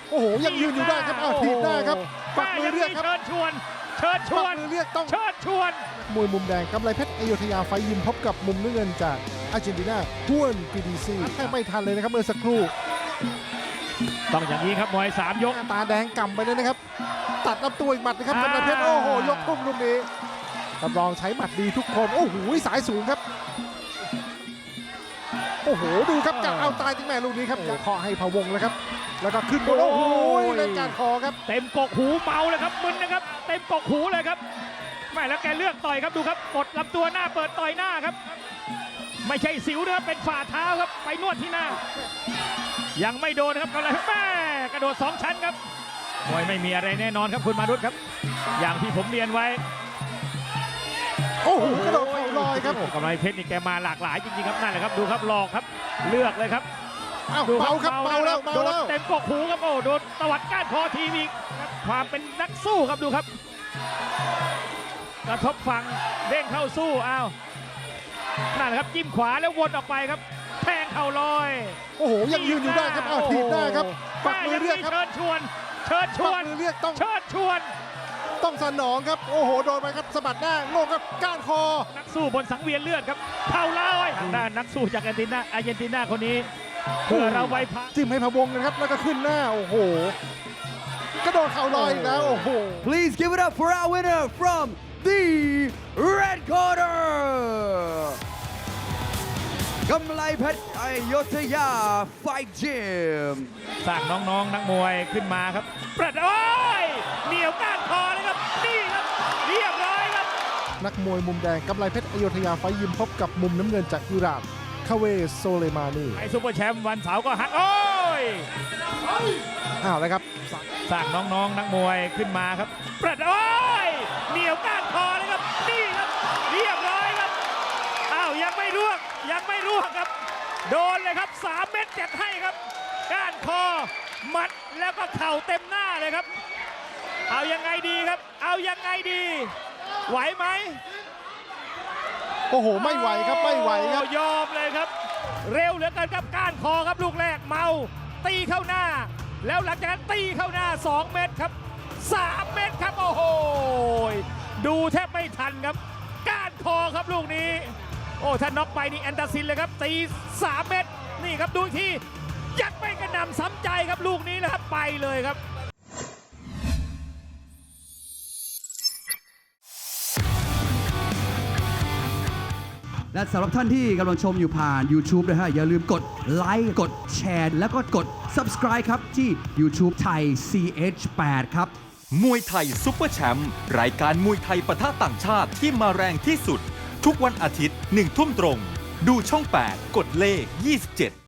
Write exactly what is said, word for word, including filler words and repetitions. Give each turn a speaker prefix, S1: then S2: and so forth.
S1: โอ้โหยังยืนอยู่ได้ครับอ้าวถีบได้ครับปักมือเรียกครับ
S2: เชิญชวนเชิญช
S1: ปั
S2: ว
S1: ก
S2: น
S1: มือเรียกต้อง
S2: เชิญชวน
S1: มวยมุมแดงกำไรเพชรอยุธยาไฟยิมพบกับมุมน้ำเงินจากอาร์เจนตินาฮวนปีดีซีแทบไม่ทันเลยนะครับเมื่อสักครู่
S2: ต้องอย่างนี้ครับมวยสามยก
S1: หน้าตาแดงก่ำไปเลยนะครับตัดลำตัวอีกหมัดนะครับกำไรเพชร
S2: อ่า
S1: โอ้โหยกทุ่มลูกนี้รับรองใช้หมัดดีทุกคนโอ้โหสายสูงครับโอ้โหดูครับกะเอาตายจริงแม่ลูกนี้ครับเคาะให้พะวงเลยครับแล้วก็ขึ้นบนโอ้โหเล่นการคอครับ
S2: เต็มกกหูเมาเลยครับมึนนะครับเต็มกกหูเลยครับไม่แล้วแกเลือกต่อยครับดูครับกดลำตัวหน้าเปิดต่อยหน้าครับไม่ใช่สิวนะครับเป็นฝ่าเท้าครับไปนวดที่หน้า ยังไม่โดนนะครับกำลังแม่กระโดดสองชั้นครับมวยไม่มีอะไรแน่นอนครับคุณมารุตครับอย่างที่ผมเรียนไว้
S1: โอ้โหกระโดดเข่าลอยครับ
S2: โอ้กำไรเพชรนี่แกมาหลากหลายจริงๆครับนั่นแหละครับดูครับหลอกครับเลือกเลยครับ
S1: อ้าว
S2: ดู
S1: เบาครับเบาแล้วเบา
S2: โดน
S1: แล้ว
S2: เต็มกกหูครับโอ้โดนตวัดก้านคอทีมอีกครับความเป็นนักสู้ครับดูครับกระทบฝั่งเด้งเข้าสู้อ้าวนั่นแหละครับจิ้มขวาแล้ววนออกไปครับแทงเข่าลอย
S1: โอ้โหยังยืนอยู่ได้ครับอ้าวถีบได้ครับปักมือเรียกครับ
S2: เชิญชวนเชิญช
S1: ปั
S2: ว
S1: ก
S2: น
S1: มือเรียกต้อง
S2: เชิญชวน
S1: ต้องสนองครับโอ้โหโดนไปครับสะบัดหน้างงครับก้านคอ
S2: นักสู้บนสังเวียนเลือดครับเข่าลอยทางด้านนักสู้จากอาร์เจนตินาอาร์เจนตินาคนนี้เพื่อเราไว้พัก
S1: จิ้มให้พะวงนะครับแล้วก็ขึ้นหน้าโอ้โหกระโดดเข่าลอยอีกแล้วโอ้โห
S3: Please give it up for our winner from the red corner กำไลเพชรอยุธยาไฟจิม
S2: สร้างน้องๆนักมวยขึ้นมาครับประดโอ้ยเหนียวก้านคอเลยครับนี่ครับเรียบร้อยครับ
S1: นักมวยมุมแดงกำไรเพชรอยุธยาไฟยิมพบกับมุมน้ำเงินจากอิหร่านคาเวโซเลมานี
S2: ไอซูเปอร์แชมป์วันเสาร์ก็หักโอ้ย
S1: อ้าวแล้วครับ
S2: สร้างน้องๆนักมวยขึ้นมาครับประดโอ้ยเหนียวก้านคอเลยครับนี่ครับเรียบร้อยครับอ้าวยังไม่ร่วงยังไม่ร่วงครับโดนเลยครับสามเม็ดเจ็ดให้ครับก้านคอหมัดแล้วก็เข่าเต็มหน้าเลยครับเอายังไงดีครับเอายังไงดีไหวไหม
S1: โอ้โหไม่ไหวครับไม่ไหวครับ
S2: โอ้ยอมเลยครับ เร็วเหลือเกินครับก้านคอครับลูกแรกเมาตีเข้าหน้า แล้วหลังจากนั้นตีเข้าหน้าสองเม็ดครับสามเม็ดครับโอ้โหดูแทบไม่ทันครับก้านคอครับลูกนี้โอ้ถ้าน็อกไปนี่แอนตาซินเลยครับตีสามเม็ดนี่ครับดูอีกทียัดไปกระหน่ำซ้ำใจครับลูกนี้นะครับไปเลยครับ
S3: และสำหรับท่านที่กำลังชมอยู่ผ่าน YouTube นะฮะอย่าลืมกดไลค์กดแชร์แล้วก็กด Subscribe ครับ ที่ YouTube ไทย ซี เอช แปด ครับ
S4: มวยไทยซุปเปอร์แชมป์รายการมวยไทยปะทะต่างชาติที่มาแรงที่สุด ทุกวันอาทิตย์หนึ่งทุ่มตรง ดูช่อง แปด กดเลข ยี่สิบเจ็ด